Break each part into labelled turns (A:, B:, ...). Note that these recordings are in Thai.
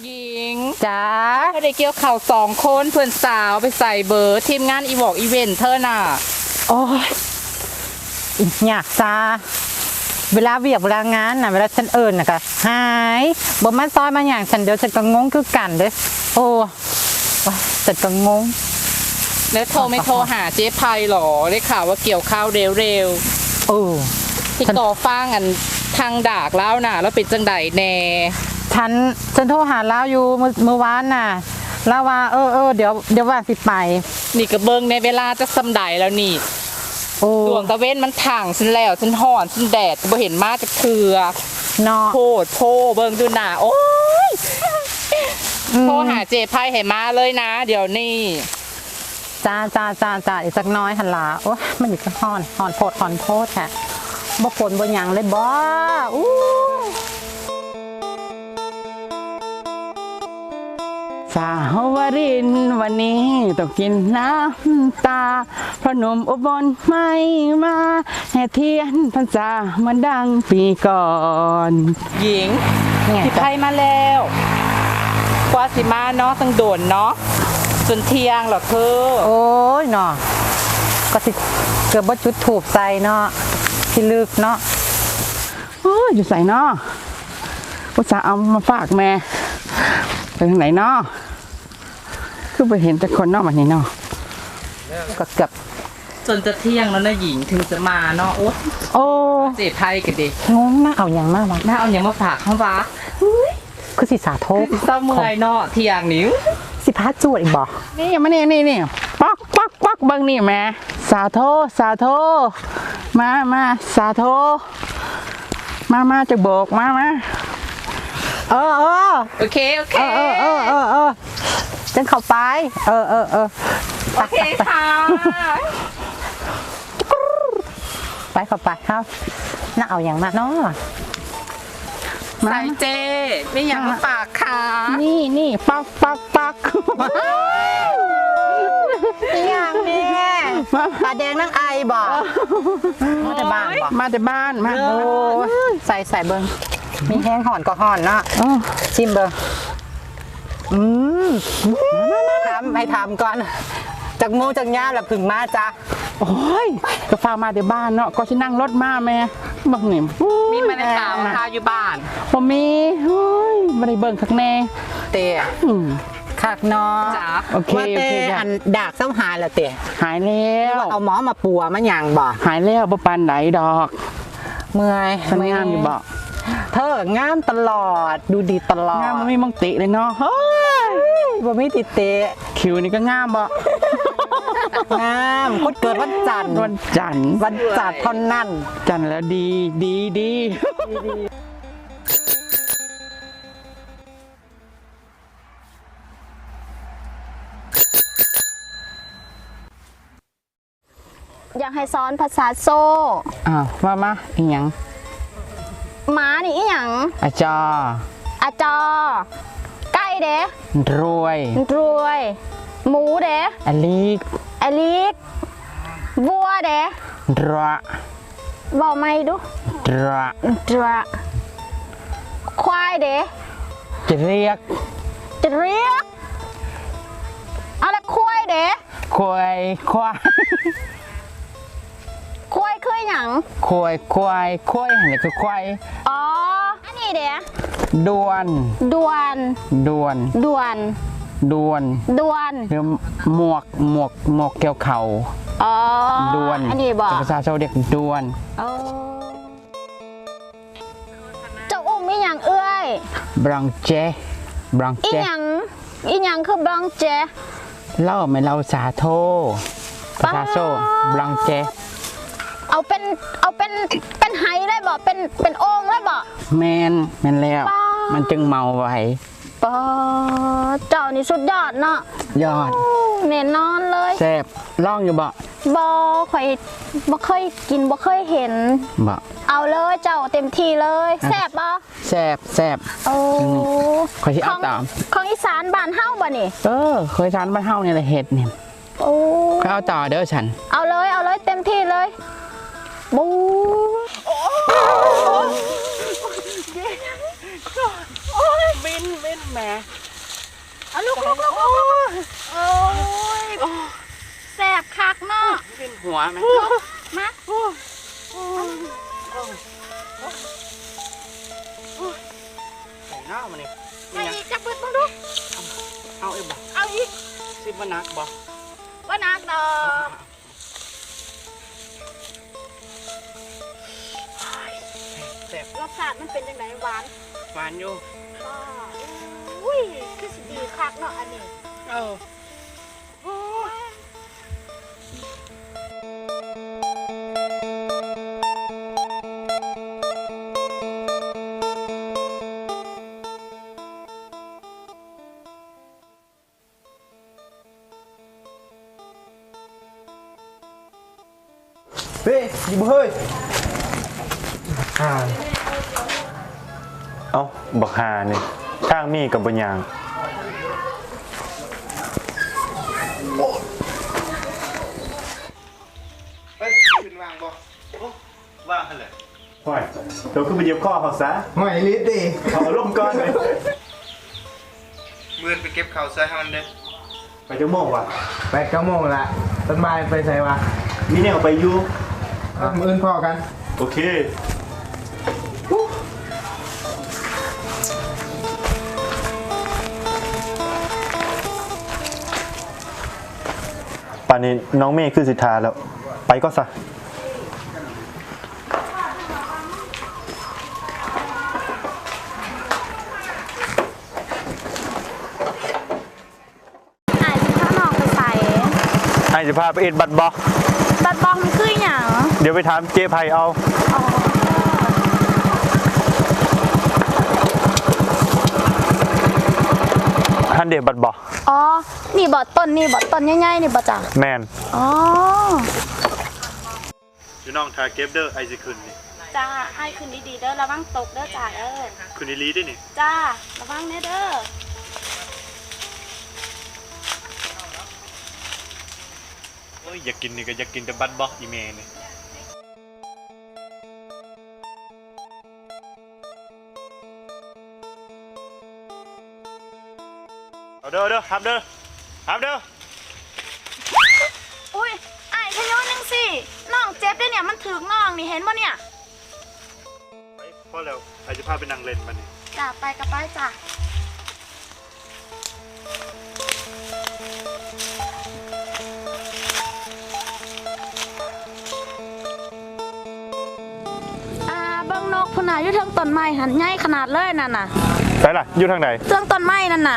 A: หญิง
B: จ้า
A: ถ้าได้เกี่ยวเข่า2 คนเพื่อนสาวไปใส่เบอร์ทีมงานอีวอกอีเวนต์เธอน่ะ
B: โอ้ยอยากจ้าเวลาเวียกเวลางานน่ะเวลาฉันน่ะก็หายบ่มาซอยมาอย่างฉันเดี๋ยวฉันก็งงคือกันเด้โอ้ฉันก็งง
A: แล้วโทรไม่โทรหาเจ๊ไพหรอได้ข่าวว่าเกี่ยวข้าวเร็วที่ก่อฟ้างอันทางดากแล้วน่ะแล้วเป็นจังไดแน่
B: ฉันโทรหาแล้วอยู่เมื่อวานน่ะแล้วว่าเดี๋ยวว่าสิไป
A: นี่ก็เบิ่งในเวลาจะสำไดแล้วนี่ดวงตะเว้นมันถ่างฉันแล้วฉันห่อนฉันแดดบ่เห็นมาจะเถื่อ
B: เนาะ
A: โพเบิ่งดูหน้าโอ้ยโทรหาเจ๊ไพให้มาเลยนะเดี๋ยวนี้
B: จ้าอีกสักน้อยหันลาโอ้มันอีกห่อนโพดค่ะบ่ฝนบ่หยังเลยบ่สาวรินวันนี้ต้องกินน้ำตาเพราะหนุ่มอุบลไม่มาแห่เทียนพรรษามันดังปีก่อน
A: หญิงพี่ไพมาแล้วกว่าสิมาเนาะตั้งโดนเนาะจนเที่ยงหรอเธอ
B: โอ้ยเนาะก็สิเกือบบ่จุดถูกใส่เนาะที่ลึกเนาะโอ้ยอยู่ใส่เนาะอุตส่าห์เอามาฝากแม่ไปทางไหนเนาะคือไปเห็นแต่คนเนาะวันนี้เนาะก็เกือบ
A: จนจะเที่ยงแล้วนะหญิงถึงจะมาเนาะโอ้เจ๊ไพกันดิ
B: งงน่าเอาอย่างมากวะ
A: น่าเอาอย่างมาฝากเขาวะ
B: คือสิสาโท
A: เศร้าเมื่อยเนาะเที่ยงนิ้ว
B: สิพาจวดอีกบ่นี่มานี่ป๊อกเบิ่งนี่แม่สาโทมาสาโทมาจะโบกมา
A: โอเค
B: จังเข้าไป
A: โอเคค่ะ
B: ไปเข้าไปครับน่าเอาอย่างมากเนาะ
A: ใส่เจไม่อยากมาฝากค่ะ
B: นี่ปักอย่างนี้ปลาแดงนั่งไอบ่มาแต่บ้านมาโอ้ใส่เบิ้งมีแห้งห่อนก็ห่อนเนาะชิมเบิ้งให้ทำก่อนจากมูจากย่าแล้วพึ่งมาจ้ะโอ้ยก็ฟ้ามาแต่บ้านเนาะก็ฉันนั่งรถมาแม่บักหนิม
A: มีมาในตามข้าวอยู่บ้าน
B: ผมมีไม่ได้เบิ่งคักแน่เตะคักเนาะโอเคอันดากเศร้าหายแล้วเตะหายแล้วเอาหมอมาปัวมันยังบ่หายแล้วบ่ปานไหนดอกเมื่อยงามอยู่บ่เธองามตลอดดูดีตลอดงามมันไม่มังติเลยเนาะเฮ้ยบ่มีติเตะคิวนี่ก็งามบ่งามคนเกิดวันจันทร์เท่านั้นจันทร์แล้วดี
C: อยากให้สอนภาษาโซ่
B: มาอีหยัง
C: หมานี่อีหยัง
B: อาจอ
C: ไก่เด้
B: รวย
C: หมูเด้
B: อลิก
C: วัวเด้
B: ระ
C: บอกไม่ดูระควายเด้
B: จะเรียก
C: อะไรควายเด้
B: ควาย
C: คือหยัง
B: ควายอะไรคือควาย
C: อันนี้เด้
B: ดวน
C: หรือ
B: หมวกเกี่ยวเข่าดวน
C: อันนี้บอก
B: ภาษาชาวเด็กดวน
C: เจ้าอุ้มอีหยังเอ้ย
B: บรังเจ
C: อีหยังคือบรังเจ
B: เล่าไม่เล่าสาโทภาษาโซบรังเจ
C: เอาเป็นไฮได้บ่เป็นโอ่งได้บ่
B: แมนแล้วมันจึงเมาไว้
C: เจ้านี่สุดยอดเนาะ
B: ยอด
C: แน่นอนเลย
B: แซ่บล่องอยู่บ่
C: ค่อยบ่เคยกินบ่เคยเห็น
B: บ่
C: เอาเลยเจ้าเต็มที่เลยแซ่บบ่
B: แซ่บค่อยสิเอาตาม
C: ของอีสานบ้านเฮาบ่นี่
B: เคยทานบ้านเฮานี่แหละเห็ดนี่ค่อยเอาต่อเด้อฉัน
C: เอาเลยเต็มที่เลยบู
A: บินแหม
B: ม่
C: เอาลูกโอ้ยแสบคักเนาะ
B: เป็นหัวไหม
C: มา
B: ใส่หน้ามาเนี่ย
C: ไอ้จับเปิดมาดู
B: เอาไอ้บ่
C: เอาอีก
B: ซิบนักบ่
C: ว่านักดอก
B: แซ่บ
C: รสชาติมันเป็นยังไงหวาน
B: หวานอยู่
C: ก็อุ้ยคือสิดีคักเนาะอันนี้
B: เออ
C: โอ้ย
D: เฮ้ยยิบเฮ้ย
E: เอ้าบักหานี่ทางมีกับบัญญัง
D: เฮ้ยขึ้นวางบ่
E: ว่างเลยห่วยเดี๋ยวขึ้นไปเย็บข้อเขาซะ
D: หอยลิตรดิ
E: เอาล่มก้อนเลย
D: มือไปเก็บข่าวใส่ให้มันเด้
E: ไปจะโมกว่ะ
D: 8 โมงละต้นไม้ไปใส่วะ
E: มีแนวไปอยู่
D: มืออื่นพอกัน
E: โอเคป่านนี้น้องเมย์คือสิทธาแล้ว ไปก็ซะ
C: ไอ้ที่ข้างนอกไปใส่
E: ให้สิพาไปเอ็ดบัตรบอ
C: บัดบองมันคือหยัง
E: เดี๋ยวไปถามเจ๊ไพเอา
C: อ๋อ
E: ฮันเดบัตรบอ
C: อ๋อนี่บ่ต้นใหญ่ๆนี่บ่จ้ะ
E: แมน
C: อ๋อ
E: อยู่น้องทาเก็บเด้อไอซิคืนนี่
C: จ้าให้คืนดีๆเด้อระวังตกเด้อจ้าเด้อ
E: คืนนี้ลีได้นี่
C: จ้าระวังแน่เด้อ
E: เอ้ยอยากกินนี่ก็อยากกินแต่บัตรบออีเมนี่เอาเด้อครับเด้อครับเด้อ
C: อุ้ยไอ้ขย้อนนึงสิน้องเจ็บได้เนี่ยมันถึงน้องนี่เห็นบ่เนี่ย
E: ไปพอแล้วไอจะพาไปนั่งเล่นมันนี่
C: จ้าไปกับไปจ้าเบิ่งนกพุ่นน่ะอยู่เทิงต้นไม้หันใหญ่ขนาดเลยนั่นน่ะ
E: ไปล่ะอยู่ทางไหน
C: เทิงต้นไม้นั่นน่ะ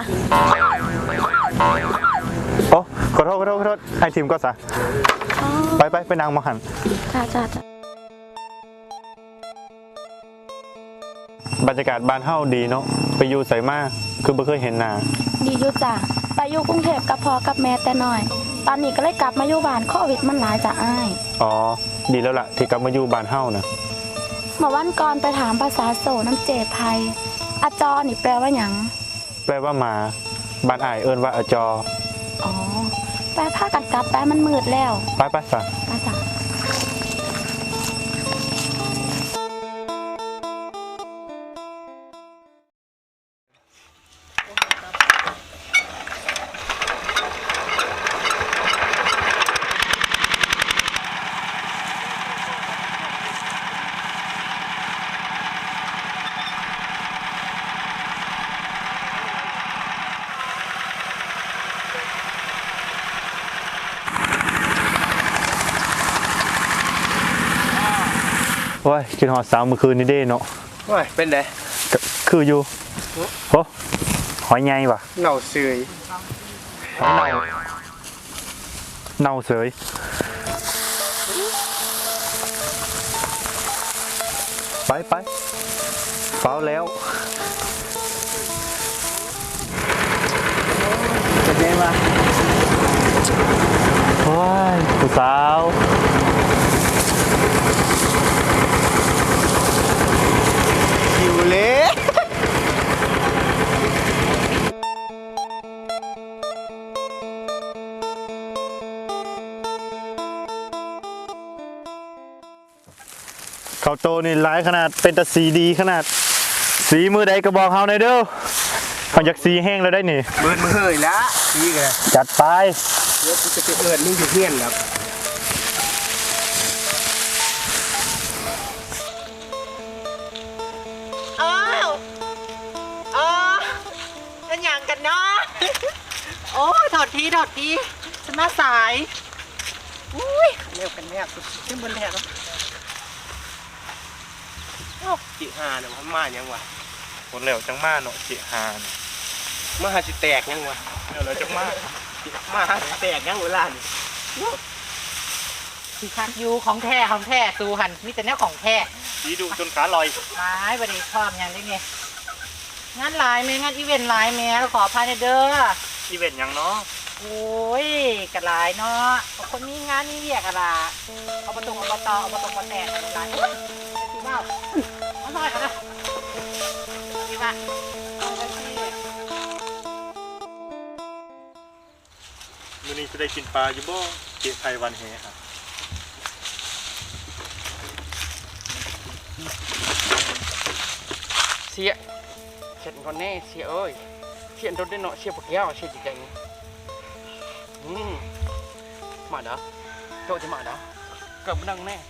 E: โอ้ขอโทษไอทีมก็ซะไปนั่งมาหัน
C: จ้า
E: บรรยากาศบ้านเฮาดีเนาะไปอยู่ใส่มาคือบ่เคยเห็นหน้า
C: ดีอยู่จ้ะไปอยู่กรุงเทพกับพ่อกับแม่แต่น้อย ตอนนี้ก็เลยกลับมาอยู่บ้านโควิดมันหลายจ้ะอ้าย
E: อ๋อดีแล้วล่ะที่กลับมาอยู่บ้านเฮานะ
C: เมื่อวันก่อนไปถามภาษาโสน้ำเจไพยอาจอนี่แปลว่าหยัง
E: แปลว่าหมาบ้านอ้ายเอิ้นว่าอจอ
C: อ๋อแปลผ้ากันกลับแปลมันมืดแล้ว
E: ไปซะ
C: ไปจ้ะ
E: โอ้ยกินฮอดสาวเมื่อคืนนี้เด้เนาะ
D: ว้ยเป็นได
E: ก็คืออยู่โหหอยใหญ่ว่ะ
D: เหน่าเสย
E: หอยเน่าเสยไปเฝ้าแล้ว
D: เป็นไงวะ
E: โอ้ยผู้สาว
D: หิวเละ
E: เขาโตนี่หลายขนาดเป็นตาสีดีขนาด สีมือใดก็บอกเฮาหน่อยเด้อเขาอยากซีแห้งแล้วได้นี่
D: เบิดมือเฮยละนี่กัน
E: จัดไป
D: เดี๋ยวกูจะไปเอิญมึงอยู่เฮียนครับ
B: อ้าวอ๋อเป็นอย่างกันเนาะโอ้ถอดทีฉันมาสายอุ้ยเร็วกันแม่ขึ้นบนแถบ
D: จิหาเนี่ยมันมายังวะ
E: คนเหลวจังมาเนาะเจีหาน
D: มาหาสิแตกยังวะ
E: เหลวจังมา
D: มาหาสิแตกยังเวลานี่
B: คือคักยูของแท้ตูหันมีแต่แนวของแท้
E: ดีดูจนขาลอย
B: ไม้บันนี้ชอบอย่างได้ไงงานหลายแม่งานอีเวนต์หลายแม่ขอพายเด้อ
E: อีเวนต์ยังเนาะ
B: โอ้ยกระหลายเนาะคนมีงานมีเรียกอะไรเอาประตูเอาประตอเอาประตูมาแตกอะไรหลายสิว่าเอาหน่อยกันนะสิว่า
E: มื้อนี้จะได้กินปลาอยู่บ่เจีไทยวันเฮครับ
A: เสียเช็ดก่อนแน่เสียเอ้ยเสียรถได้เนาะเสียปากแก้วเสียจิกแกงมาเด้อโจจะมาเด้อเกิดมันดังแน่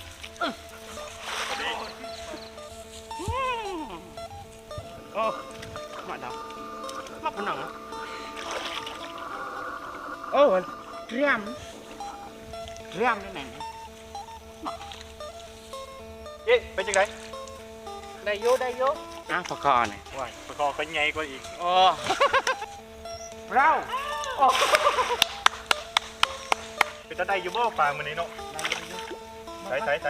A: โอ้มาเด้อมาปุ่นหนังโอ้เรียมได้ไหน
E: เอ๊ะไปจังได
B: ได้โย
A: อ่ะปากคอเนี่ย
E: ว้ายประกอบก็ใหญ่กว่าอีก
A: โอ้เรา
E: เป็นตาได้อยู่บ่ปลามื้อนี้เนาะใส่ได้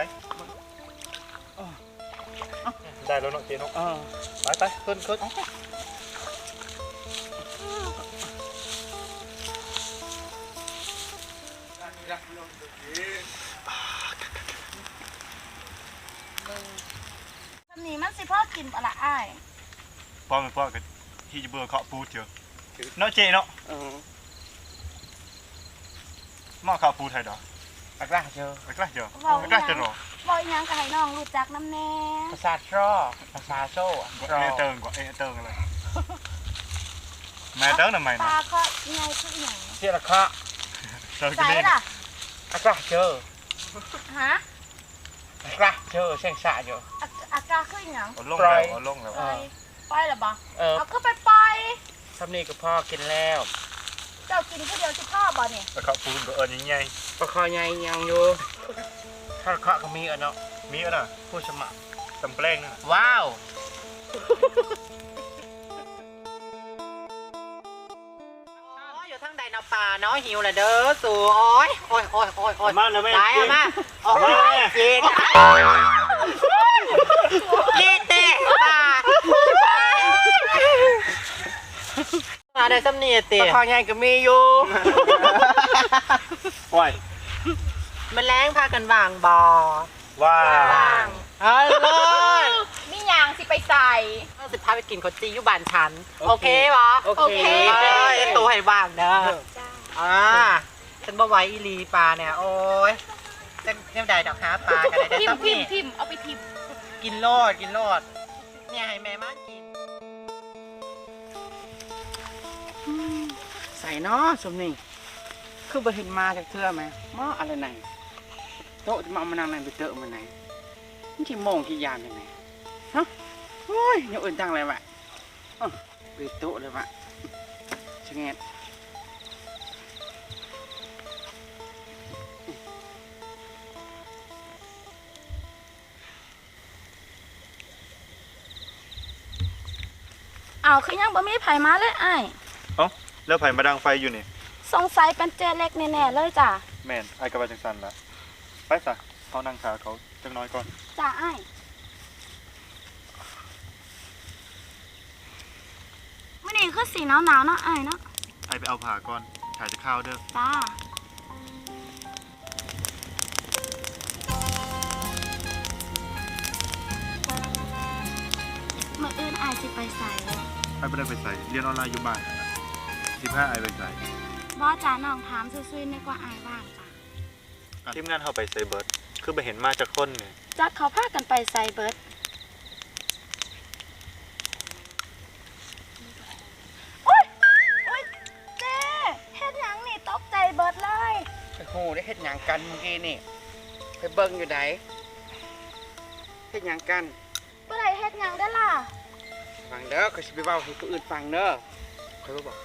E: แล้วเนาะเจเนาะไปขึ้น
C: อันนี้มันสิพ่อกินปะละอ้าย
E: ป้อกันที่จะเบื่อเคาะปูเจอเนาะเจเนาะหม้อข้าวปูไทยดอก
A: ปากร่าเจอ
E: ไปกล้าเจอไปกล้าเจอหรอ
C: บอกอีหยังก็ให้น้องรู้จักน้ำแน่
A: ภาษาทรอภาษาโซ่
E: เอเติงกว่าเอเติงอะไรแม่เติงทำไม
C: ป
E: นะ
C: ลาก็ไงคืออหย่าง
A: เสียละคะ
E: เติง
C: ใส่
E: กิน
C: ล่ะ
A: ปากร่าเจอ
C: ฮะ
A: ปากร่าเจอเส้นสะเจอ
C: อากาคืออหย่าง
E: เอาลงแล้วเอาลงแล้ว
C: ไปเหรอบ่
A: เออ
C: เอาก็ไป
A: ทำนี่กับพ่อกินแล้ว
C: เจ้ากินผู้เดียวสิพ่อบ่เนี่ย
E: แล้วข้าวปูก็เอิญยังไง
A: ปลาคอใหญ่ยังอยู่ถ้าเคาะก็มีอ่ะเนาะ
E: มีอ่ะนะ
A: ผู้สมัคร
E: ตำแปลงนะ
A: ว้าว
B: อยู่ทั้งใดนาป่าเนาะหิวละเด้อสู่โอ้ย
E: มาแล้วแม่
B: ตายอะมาโอ้ยเย็นเย็นเตะป่ามาได้ซ้ำนี่
A: ป
B: เตะ
A: ลาคอใหญ่ก็มีอยู่
E: ว้าย
B: มันแรงพากันวางบ่อ
E: ว้า
B: เอาเลย
C: มีหยังสิไปใส่
B: สิพาไปกินข้าวจีอยู่บ้านฉันโอเคปะ
A: โอเค
B: ตัวให้ว่างเด้อฉันบ่ไหวอีลีปลาเนี่ยโอ้ยเจ้าใดดอกหาปลากันได้
C: พิม
B: ซ้ำนี่
C: พิมเอาไปพิม
B: กินโลดเนี่ยให้แม่มากิน
A: ใส่เนาะสมนี่คือบ่เห็นมาจากเทื่อไหมหม้ออะไรไหนโต๊ะจะมาเอามานั่งนั่งไปเตอะมาไหนมันที่โมงที่ยามยังไงฮะโอ้ยอย่างอื่นจังเลยวะไปโต๊ะเลยวะชะเงด
C: เอาคือยังบ่มีไผมาเลยอ้าย
E: เอ้าแล้วไผ่มาดังไฟอยู่นี่
C: สงสัยเป็นเจเล็กแน่ๆเลยจ้ะ
E: แม่นไอ้กระบาจังสันละไปซะเขานั่งขาเขาจังน้อยก่อน
C: จ้าอ้ายมื้อนี้คือสีหนาวๆเนาะอ้ายเนาะ
E: ไอ้ไปเอาผ่าก่อนถ่ายจะข้าวเด้อ
C: จ้ามื้ออื่นอ้ายสิไปใส่
E: ไอ้ไม่ได้ไปใส่เรียนออนไลน์อยู่บ้าน15ไอ้ไปใส่
C: บ่จ้าน้องถามซื่อๆนึกว่าอ้ายว่างจ้ะ
E: ทีมงานเขาไปใส่เบิร์ดคือไปเห็นมาจากคนเนี่ย
C: จักเขาพากันไปใส่เบิด
A: เฮ็ดหยังกันเมื่อกี้นี่ไปเบิ่งอยู่ไหนเฮ็ดหยังกัน
C: บ่ได้เฮ็ดหยังได้อล่ะ
A: ฟังเด้อเขาสิไปเว้าให้ผู้อื่นฟังเด้อเขาบอก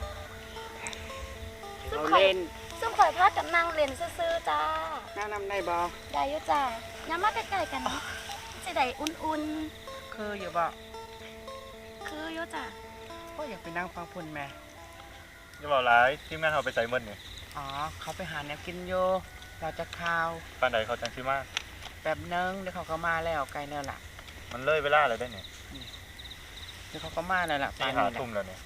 A: เราเล่น
C: ซึ่งข่อยพากันนั่งเล่นซื่อๆจ้า
A: แนะนำได้บ่
C: ได้อยู่จ้าอย่ามาใกล้ๆกันนะสิได้อุ่น
A: คืออยู่บ่
C: ๆคืออยู่จ้า
A: ก็อยากไปนั่งฟังพุ่นแม่
E: อย่าบอกร้ายทีมงานเขาไปใส่เมื่อนี่
A: อ๋อเขาไปหาแนวกินอยู่เราจะข่าว
E: ปานใดเขาจังชื่อมาก
A: แบบนึงเดี๋ยวเขาก็มาแล้วไกลแล้วล่ะ
E: มันเลยเวลาเลยได้เนี่ย
A: เดี๋ยวเขาก็มาแล้วล่ะ
E: ที่
A: ป่าน
E: หา
A: นี้แหละ
E: ทุ่มแล้วเนี่ย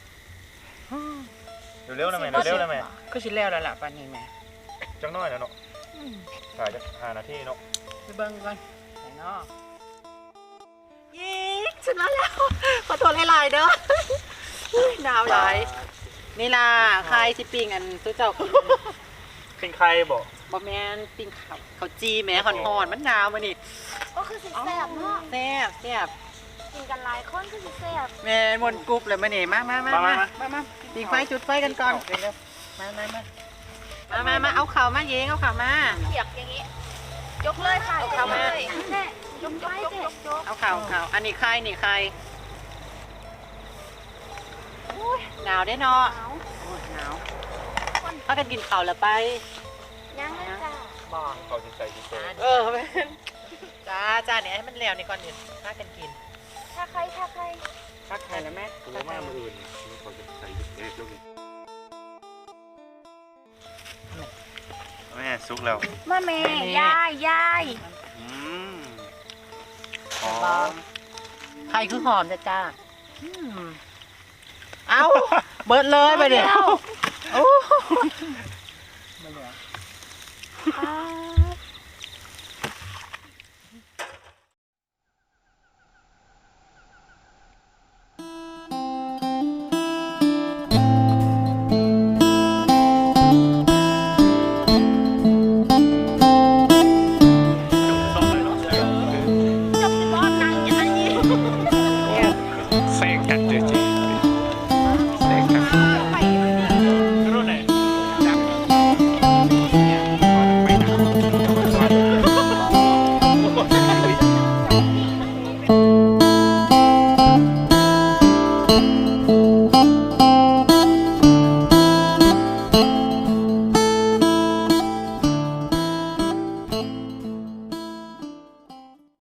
E: เร็วๆนะแม่เร็วๆนะแม่
A: ก็สิแล้วแล้วล่ะป่านนี้แม่
E: จังน้อยนะเนาะถ่ายจะ5 นาทีเนาะ
A: ไปเบิ่งก่อนไหนเนาะ
B: ยิงฉันมาแล้ว ขอโทษหลายๆเด้อหนาวหลายนี่ล่ะใครสิปิ้งอันตัวเจ้ากิน
E: เป็นใครบอก
B: บ่แม่นปิ้งข้าวจีแหม่ฮ้อนๆมันหนาวมื้อนี้
C: ก็คือสิแซ่บเนาะ
B: แซ่บแซ่บ
C: กินกันหลายคนคือสิแซ่บ
B: แม่นมนต์กรุ๊บเลยมื้อนี้มาปิ้งไฟจุดไฟกันก่อนมาเอาข้าวมาเยงเอาข้าวมา
C: เขียกอย่างนี้ ยกเลยค่ะ
B: เอาเข้ามา
C: แน่ยกไปเจ๊ยก
B: เอาข้าวอันนี้ใครนี่ใครหนาวได้เนาะ
C: เอา
B: โอ้ยหนาวพากันกินข้าวแล้วไป
C: ยังเลยจ้า
B: บอก
E: เขาจะใส่ที่โซ่
B: แม่นจ้าเนี่ยให้มันแล้วนี่ก่อนนี่พากันกิน
C: ถ้าใคร
A: พักใครแล้วแม่
E: ตัวมากมืออื่นเขาจะใส่เล็กลงแม่ซุกแล้ว
C: มาแม่ยาย
E: อืม
B: หอมใครคือหอมจ้าเอาเบิดเลยไปเดี๋ยว
A: มาเหลือ
C: อ้าว